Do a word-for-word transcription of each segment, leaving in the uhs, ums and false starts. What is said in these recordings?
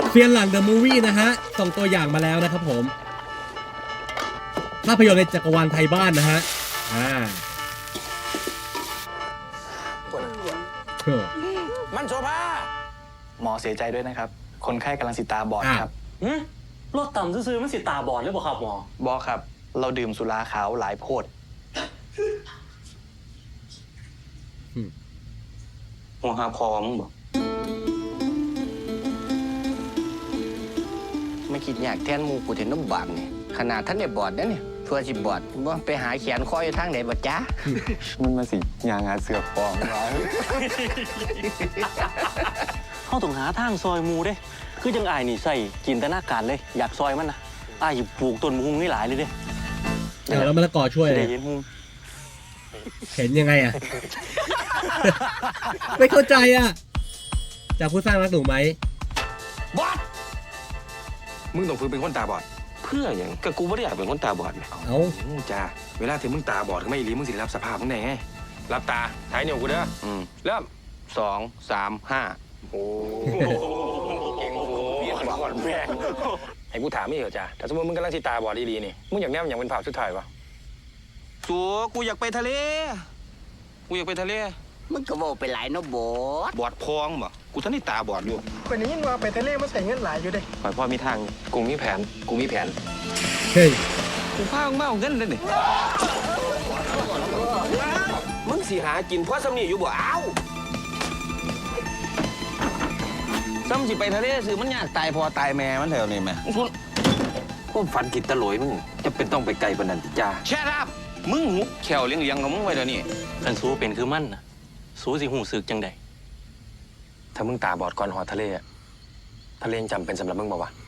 เซียนหลังเดอะมูฟวี่นะฮะส่งตัวอย่างมาแล้วนะครับผมภาพยนตร์ในจักรวาลไทยบ้านนะฮะอ่ามันโซภาหมอเสียใจด้วยนะครับคนไข้กำลังสิตาบอดครับรถต่ำซื่อๆมันสิตาบอดหรือเปล่าครับหมอบอครับเราดื่มสุราขาวหลายโพดหัวหาพอมึงบอกไม่คิดอยากแทนมูกูเห็นน้ำบาปเนี่ยขนาดท่านได้บอดนะเนี่ยเพื่อสิบอดว่าไปหาแขนคอยทางไหนบ่จ้ามันมาสิยางหาเสือฟองร้อยเขาต้องหาทางซอยมูเด้คือจังอายนี่ใส่จินตนาการเลยอยากซอยมันนะอายปลูกต้นมะฮุงนี่หลายเลยเด้เดี๋ยวแล้วมะละกอช่วยเลยเห็นฮุงเห็นยังไงอ่ะ ไม่เข้าใจอ่ะจากผู้สร้างรักหนูไหมบอดมึงต้องฝึกเป็นคนตาบอดเพื่ออย่างก็กูไม่ได้อยากเป็นคนตาบอดเนี่ยเอาจ้าเวลาที่มึงตาบอดไม่รีมึงสิรับสภาพมึงไงไงรับตาถ่ายเหนียวกูเด้ออืมเริ่มสองสามห้าโอ้เก่งโอ้โหบอดแม่ไอ้กูถามไม่เหรอจ้าถ้าสมมติมึงกำลังสิตาบอดดีๆนี่มึงอยากแนมอย่างเป็นภาพสุดท้ายวะสัวกูอยากไปทะเลกูอยากไปทะเลมันก็บอกไปหลายเนาะบอดบอดพองบ่กูท่านนี่ตาบอดอยู่คนนี้ยินว่าไปทะเลมาใส่เงินหลายอยู่เด้ข่อยพ่อมีทางกูมีแผนกูมีแผนเฮ้ยกูพามึงมาเอาเงินเลยนี่มึงสิหากินเพราะสำนีอยู่บ่อ้าวซ้ำสิไปทะเลสิมันยากตายพอตายแม่มันแถวนี้แม่คุณพวกฝันกินตะโหลยมึงจะเป็นต้องไปไกลปานนั้นติจ้าแช่ครับมึงหุบแขวเลี้ยงเลี้ยงของมึงไว้เดี๋ยวนี้กันสู้เป็นคือมันนะสู้สิหูสึกจังใดถ้ามึงตาบอดก่อนหอทะเลอะทะเลจำเป็นสำหรับมึงบ่วะ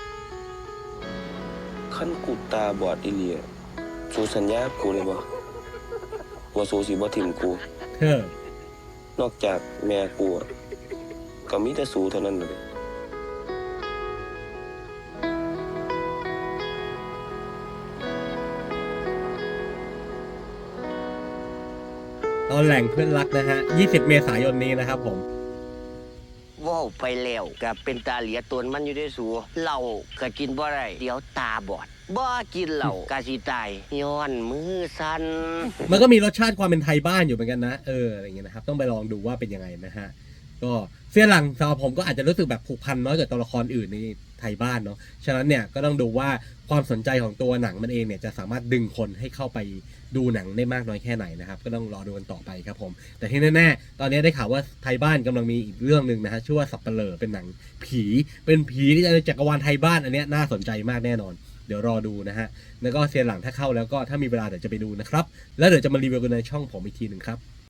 ขั้นกูตาบอดอีเลียสู้สัญญากูเลยบ่ว่าสู้สิบ่ถิ่มกูเออนอกจากแม่กูก็มีแต่สู้เท่านั้นเลยตอนแหล่งเพื่อนรักนะฮะยี่สิบเมษายนนี้นะครับผมว้าวไปแล้วกับเป็นตาเหลียตนมันอยู่ได้สูเหล้าก็กินบ่ได้เดี๋ยวตาบอดบ่กินเหล้ากะสิตายย้อนมือสั่นมันก็มีรสชาติความเป็นไทยบ้านอยู่เหมือนกันนะเอออะไรเงี้ยนะครับต้องไปลองดูว่าเป็นยังไงนะฮะก็เสี้ยนหลังสำหรับผมก็อาจจะรู้สึกแบบผูกพันน้อยกว่าตัวละครอื่นในไทยบ้านเนาะฉะนั้นเนี่ยก็ต้องดูว่าความสนใจของตัวหนังมันเองเนี่ยจะสามารถดึงคนให้เข้าไปดูหนังได้มากน้อยแค่ไหนนะครับก็ต้องรอดูกันต่อไปครับผมแต่ที่แน่ๆตอนนี้ได้ข่าวว่าไทยบ้านกำลังมีอีกเรื่องหนึ่งนะฮะชื่อว่าสัปเหร่อเป็นหนังผีเป็นผีที่จะในจักรวาลไทยบ้านอันนี้น่าสนใจมากแน่นอนเดี๋ยวรอดูนะฮะแล้วก็เซียนหลังถ้าเข้าแล้วก็ถ้ามีเวลาเดี๋ยวจะไปดูนะครับแล้วเดี๋ยวจะมารีวิวกันในช่องผมอีกทีหนึ่งครับ